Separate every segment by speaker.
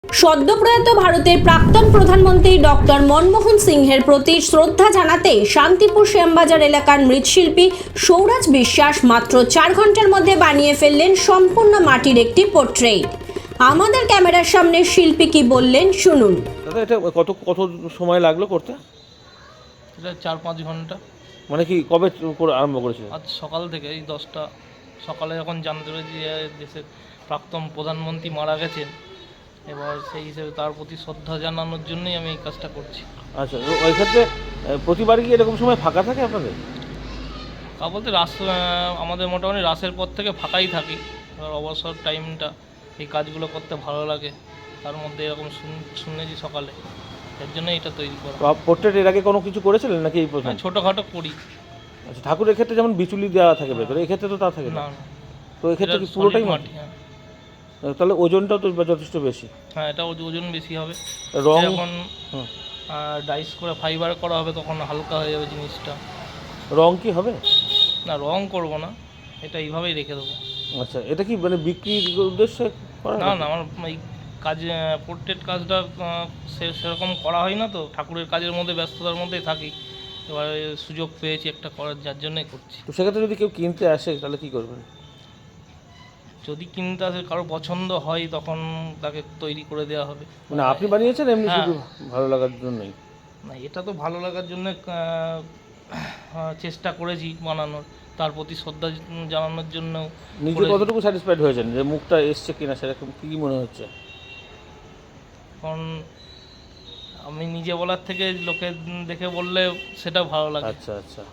Speaker 1: সদ্যপ্রয়াত ভারতের প্রাক্তন প্রধানমন্ত্রী ডক্টর মনমোহন সিংহের প্রতি শ্রদ্ধা জানাতে শান্তিপুর শ্যামবাজার এলাকার মৃৎশিল্পী সৌরাজ বিশ্বাস মাত্র 4 ঘন্টার মধ্যে বানিয়ে ফেললেন সম্পূর্ণ মাটির একটি পোর্ট্রেট। আমাদের ক্যামেরার সামনে শিল্পী কি বললেন শুনুন।
Speaker 2: দাদা, এটা কত সময় লাগলো করতে?
Speaker 3: এটা 4-5 ঘন্টা।
Speaker 2: মানে কি কবে করে আরম্ভ করেছিল?
Speaker 3: আজ সকাল থেকে এই 10টা সকালে যখন জানতে পেরেছি যে দেশের প্রাক্তন প্রধানমন্ত্রী মারা গেছেন, এবার সেই হিসেবে তার প্রতি শ্রদ্ধা জানানোর জন্যই আমি এই কাজটা করছি।
Speaker 2: আচ্ছা, ওই ক্ষেত্রে প্রতিবারই কি এরকম সময় ফাঁকা থাকে আপনাদের?
Speaker 3: তা বলতে আমাদের মোটামুটি রাসের পর থেকে ফাঁকাই থাকি। এবার অবসর টাইমটা এই কাজগুলো করতে ভালো লাগে, তার মধ্যে এরকম শুনেছি সকালে, এর জন্য এটা তৈরি করা।
Speaker 2: পোর্ট্রেট এর আগে কোনো কিছু করেছিলেন নাকি এই প্রথম?
Speaker 3: ছোটোখাটো করি।
Speaker 2: আচ্ছা, ঠাকুরের ক্ষেত্রে যেমন বিচুলি দেওয়া থাকে ভেতরে, এই ক্ষেত্রে তো তা থাকে না।
Speaker 3: না,
Speaker 2: তো এই ক্ষেত্রে কি পুরোটাই মাটি?
Speaker 3: হ্যাঁ।
Speaker 2: তাহলে ওজনটাও তো যথেষ্ট বেশি।
Speaker 3: হ্যাঁ, এটা ওজন বেশি হবে।
Speaker 2: রং
Speaker 3: যখন ডাইস করে ফাইবার করা হবে তখন হালকা হয়ে যাবে জিনিসটা।
Speaker 2: রং কি হবে?
Speaker 3: না, রং করব না, এটা এইভাবেই রেখে দেবো।
Speaker 2: আচ্ছা, এটা কি মানে বিক্রির উদ্দেশ্যে করা?
Speaker 3: না, আমার এই কাজ পোর্ট্রেট কাজটা সেরকম করা হয় না, তো ঠাকুরের কাজের মধ্যে ব্যস্ততার মধ্যেই থাকি। এবারে সুযোগ পেয়েছি একটা করার, যার জন্যই করছি।
Speaker 2: তো সেক্ষেত্রে যদি কেউ কিনতে আসে তাহলে কি করবেন?
Speaker 3: যদি কিনতে আসে, কারো পছন্দ হয়, তখন তাকে তৈরি করে দেওয়া হবে।
Speaker 2: মানে আপনি বানিয়েছেন এমনি
Speaker 3: হ্যাঁ।
Speaker 2: শুধু ভালো লাগার জন্যই?
Speaker 3: না, এটা তো ভালো লাগার জন্য চেষ্টা করেছি বানানোর, তার প্রতি শ্রদ্ধা জানানোর জন্য।
Speaker 2: নিজে কতটুকু স্যাটিসফাইড হয়েছেন যে মুখটা এসছে কিনা, সেরকম কি মনে হচ্ছে?
Speaker 3: কারণ আমি নিজে বলার থেকে লোকে দেখে বললে সেটা ভালো লাগে।
Speaker 2: আচ্ছা আচ্ছা,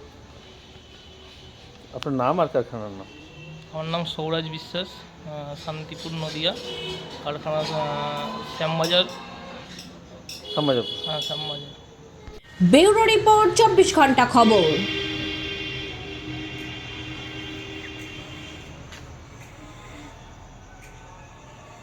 Speaker 2: আপনার নাম আর কারখানার নাম?
Speaker 3: আমার নাম সৌরাজ বিশ্বাস, শান্তিপুর নদিয়া, কারখানা শ্যামবাজার।
Speaker 2: শ্যামবাজার।
Speaker 3: হ্যাঁ, শ্যামবাজার।
Speaker 1: ব্যুরো রিপোর্ট 24 ঘন্টা খবর।